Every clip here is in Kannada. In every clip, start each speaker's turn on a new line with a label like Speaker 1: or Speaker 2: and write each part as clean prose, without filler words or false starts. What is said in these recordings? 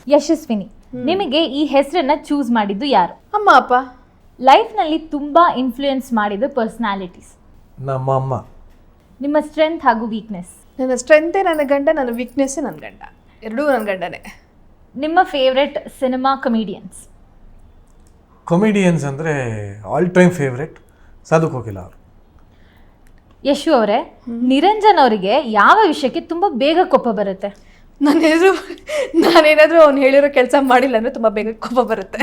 Speaker 1: ಯಶಸ್ವಿನಿ, ನಿಮಗೆ ಈ ಹೆಸರನ್ನ ಚೂಸ್ ಮಾಡಿದ್ದು ಯಾರು?
Speaker 2: ಅಮ್ಮ ಅಪ್ಪ.
Speaker 1: ಲೈಫ್ನಲ್ಲಿ ತುಂಬ ಇನ್ಫ್ಲೂಯೆನ್ಸ್ ಮಾಡಿದ ಪರ್ಸ್ನಾಲಿಟೀಸ್?
Speaker 3: ನಮ್ಮ ಅಮ್ಮ.
Speaker 1: ನಿಮ್ಮ ಸ್ಟ್ರೆಂತ್ ಹಾಗೂ ವೀಕ್ನೆಸ್?
Speaker 2: ನನ್ನ ಸ್ಟ್ರೆಂತೇ ನನ್ನ ಗಂಡ, ನನ್ನ ವೀಕ್ನೆಸ್ಸೇ ನನ್ನ ಗಂಡ, ಎರಡೂ ನನ್ನ ಗಂಡನೇ.
Speaker 1: ನಿಮ್ಮ ಫೇವ್ರೆಟ್ ಸಿನಿಮಾ ಕಮಿಡಿಯನ್ಸ್?
Speaker 3: ಕಾಮಿಡಿಯನ್ಸ್ ಅಂದರೆ all time favourite Sadhu Kokila ಅವರು.
Speaker 1: ಯಶು ಅವರೇ, ನಿರಂಜನ್ ಅವರಿಗೆ ಯಾವ ವಿಷಯಕ್ಕೆ ತುಂಬ ಬೇಗ ಕೋಪ ಬರುತ್ತೆ?
Speaker 2: ನಾನೇನಾದರೂ ಅವ್ನು ಹೇಳಿರೋ ಕೆಲಸ ಮಾಡಿಲ್ಲ ಅಂದರೆ ತುಂಬ ಬೇಗ ಕೋಪ ಬರುತ್ತೆ.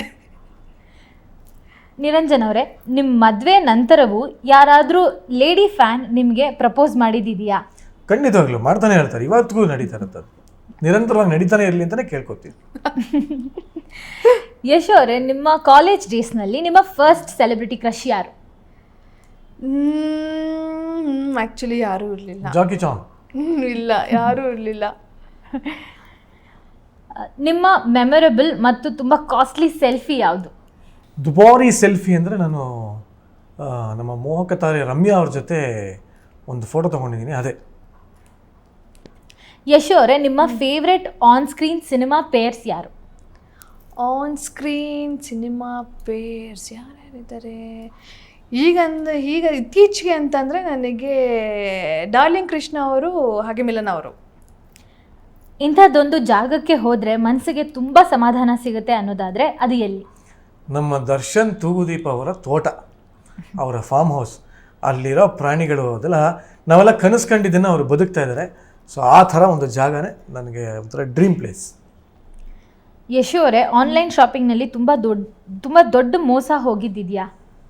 Speaker 1: ನಿರಂಜನ್ ಅವರೇ, ನಿಮ್ಮ ಮದುವೆ ನಂತರವೂ ಯಾರಾದರೂ ಲೇಡಿ ಫ್ಯಾನ್ ನಿಮಗೆ ಪ್ರಪೋಸ್ ಮಾಡಿದೆಯಾ?
Speaker 3: ಖಂಡಿತವಾಗ್ಲೂ ಮಾಡ್ತಾನೆ ಇರ್ತಾರೆ, ಇವತ್ತಿಗೂ ನಡೀತಾ ಇರ್ತದೆ, ನಿರಂತರವಾಗಿ ನಡೀತಾನೆ ಇರಲಿ ಅಂತಲೇ ಕೇಳ್ಕೊತೀವಿ.
Speaker 1: ಯಶು ಅವರೇ, ನಿಮ್ಮ ಕಾಲೇಜ್ ಡೇಸ್ನಲ್ಲಿ ನಿಮ್ಮ ಫಸ್ಟ್ ಸೆಲೆಬ್ರಿಟಿ ಕ್ರಶ್ ಯಾರು?
Speaker 2: ಆ್ಯಕ್ಚುಲಿ ಯಾರೂ ಇರಲಿಲ್ಲ.
Speaker 3: ಜಾಕಿ ಚಾನ್.
Speaker 2: ಇಲ್ಲ, ಯಾರೂ ಇರಲಿಲ್ಲ.
Speaker 1: ನಿಮ್ಮ ಮೆಮೊರಬಲ್ ಮತ್ತು ತುಂಬ ಕಾಸ್ಟ್ಲಿ ಸೆಲ್ಫಿ ಯಾವುದು?
Speaker 3: ದುಬಾರಿ ಸೆಲ್ಫಿ ಅಂದರೆ ನಾನು ನಮ್ಮ ಮೋಹಕ ತಾರೆ ರಮ್ಯಾ ಅವ್ರ ಜೊತೆ ಒಂದು ಫೋಟೋ ತೊಗೊಂಡಿದ್ದೀನಿ, ಅದೇ.
Speaker 1: ಯಶು ಅವರೇ, ನಿಮ್ಮ favourite on screen cinema pairs ಯಾರು?
Speaker 2: ಆನ್ ಸ್ಕ್ರೀನ್ ಸಿನಿಮಾ ಪೇರ್ಸ್ ಯಾರ್ಯಾರಿದ್ದಾರೆ ಈಗ ಇತ್ತೀಚೆಗೆ ಅಂತಂದರೆ ನನಗೆ ಡಾರ್ಲಿಂಗ್ ಕೃಷ್ಣ ಅವರು ಹಾಗೆ ಮಿಲನ ಅವರು.
Speaker 1: ಇಂಥದ್ದೊಂದು ಜಾಗಕ್ಕೆ ಹೋದರೆ ಮನಸ್ಸಿಗೆ ತುಂಬ ಸಮಾಧಾನ ಸಿಗುತ್ತೆ ಅನ್ನೋದಾದರೆ ಅದು ಎಲ್ಲಿ?
Speaker 3: ನಮ್ಮ ದರ್ಶನ್ ತೂಗುದೀಪ ಅವರ ತೋಟ, ಅವರ ಫಾರ್ಮ್ ಹೌಸ್, ಅಲ್ಲಿರೋ ಪ್ರಾಣಿಗಳು ಅದೆಲ್ಲ ನಾವೆಲ್ಲ ಕನಸು ಕಂಡಿದ್ದನ್ನು ಅವರು ಬದುಕ್ತಾ ಇದ್ದಾರೆ. ಸೊ ಆ ಥರ ಒಂದು ಜಾಗನೇ ನನಗೆ ಒಂಥರ ಡ್ರೀಮ್ ಪ್ಲೇಸ್.
Speaker 1: ಯಶು ಅವರೇ, ಆನ್ಲೈನ್ ಶಾಪಿಂಗ್ನಲ್ಲಿ ತುಂಬ ದೊಡ್ಡ ಮೋಸ ಹೋಗಿದ್ದಿದೆಯಾ?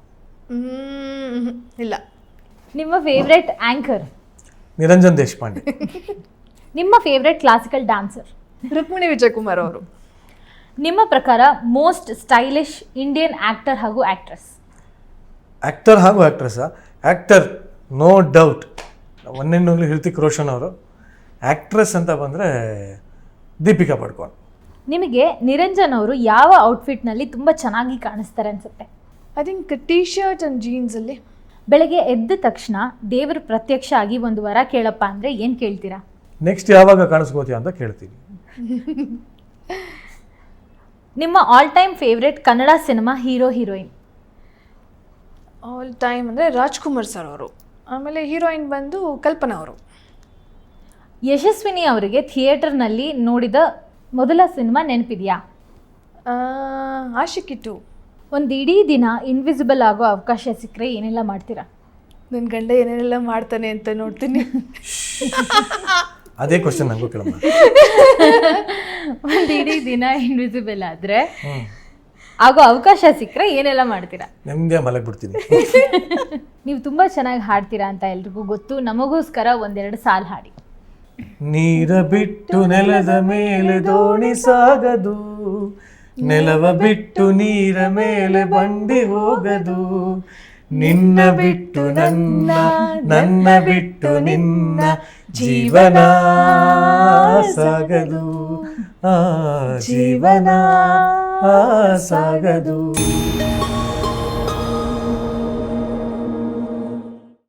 Speaker 2: ಇಲ್ಲ.
Speaker 1: ನಿಮ್ಮ ಫೇವ್ರೆಟ್ ಆ್ಯಂಕರ್?
Speaker 3: ನಿರಂಜನ್ ದೇಶಪಾಂಡೆ.
Speaker 1: ನಿಮ್ಮ favourite classical dancer?
Speaker 2: Rukmini Vijayakumar ಅವರು.
Speaker 1: ನಿಮ್ಮ ಪ್ರಕಾರ ಮೋಸ್ಟ್ ಸ್ಟೈಲಿಶ್ ಇಂಡಿಯನ್ ಆ್ಯಕ್ಟರ್ ಹಾಗೂ ಆ್ಯಕ್ಟ್ರೆಸ್?
Speaker 3: ಆ್ಯಕ್ಟರ್ ಹಾಗೂ ಆ್ಯಕ್ಟ್ರೆಸ್ಸಾ? ಆ್ಯಕ್ಟರ್ ನೋ ಡೌಟ್ ಒಂದೆಣ್ಣು ಹೃತಿಕ್ ರೋಷನ್ ಅವರು. ಆ್ಯಕ್ಟ್ರೆಸ್ ಅಂತ ಬಂದರೆ ದೀಪಿಕಾ ಪಡ್ಕೋನ್.
Speaker 1: ನಿಮಗೆ ನಿರಂಜನ್ ಅವರು ಯಾವ ಔಟ್ಫಿಟ್ನಲ್ಲಿ ತುಂಬ ಚೆನ್ನಾಗಿ ಕಾಣಿಸ್ತಾರೆ ಅನಿಸುತ್ತೆ?
Speaker 2: I think T shirt and ಜೀನ್ಸಲ್ಲಿ.
Speaker 1: ಬೆಳಗ್ಗೆ ಎದ್ದ ತಕ್ಷಣ ದೇವರು ಪ್ರತ್ಯಕ್ಷ ಆಗಿ ಒಂದು ವರ ಕೇಳಪ್ಪ ಅಂದರೆ ಏನು ಕೇಳ್ತೀರಾ?
Speaker 3: ನೆಕ್ಸ್ಟ್ ಯಾವಾಗ ಕಾಣಿಸ್ಕೋತೀಯ ಅಂತ ಕೇಳ್ತೀನಿ.
Speaker 1: ನಿಮ್ಮ all time favourite Kannada cinema hero heroine?
Speaker 2: All time ಅಂದರೆ ರಾಜ್ಕುಮಾರ್ ಸರ್ ಅವರು. ಆಮೇಲೆ ಹೀರೋಯಿನ್ ಬಂದು ಕಲ್ಪನಾ ಅವರು.
Speaker 1: ಯಶಸ್ವಿನಿ ಅವರಿಗೆ ಥಿಯೇಟರ್ನಲ್ಲಿ ನೋಡಿದ ಮೊದಲ ಸಿನಿಮಾ ನೆನಪಿದೆಯಾ?
Speaker 2: ಆಶಿಕಿ 2.
Speaker 1: ಒಂದು ಇಡೀ ದಿನ ಇನ್ವಿಸಿಬಲ್ ಆಗೋ ಅವಕಾಶ ಸಿಕ್ಕರೆ ಏನೆಲ್ಲ ಮಾಡ್ತೀರಾ?
Speaker 2: ನನ್ನ ಗಂಡ ಏನೇನೆಲ್ಲ ಮಾಡ್ತಾನೆ ಅಂತ ನೋಡ್ತೀನಿ.
Speaker 3: ಅದೇ ಕ್ವಶನ್ ನನಗೂ ಕೇಳಮ್ಮ.
Speaker 1: ಒಂದು ಇಡೀ ದಿನ ಇನ್ವಿಸಿಬಲ್ ಆದರೆ ಆಗೋ ಅವಕಾಶ ಸಿಕ್ಕರೆ ಏನೆಲ್ಲ ಮಾಡ್ತೀರಾ?
Speaker 3: ನಿಮಗೆ ಮಲಗಿಬಿಡ್ತೀನಿ.
Speaker 1: ನೀವು ತುಂಬ ಚೆನ್ನಾಗಿ ಹಾಡ್ತೀರಾ ಅಂತ ಎಲ್ರಿಗೂ ಗೊತ್ತು, ನಮಗೋಸ್ಕರ ಒಂದೆರಡು ಸಾಲು ಹಾಡಿ.
Speaker 3: ನೀರ ಬಿಟ್ಟು ನೆಲದ ಮೇಲೆ ದೋಣಿ ಸಾಗದು, ನೆಲವ ಬಿಟ್ಟು ನೀರ ಮೇಲೆ ಬಂಡಿ ಹೋಗದು, ನಿನ್ನ ಬಿಟ್ಟು ನನ್ನ, ನನ್ನ ಬಿಟ್ಟು ನಿನ್ನ ಜೀವನ ಸಾಗದು, ಜೀವನ ಸಾಗದು.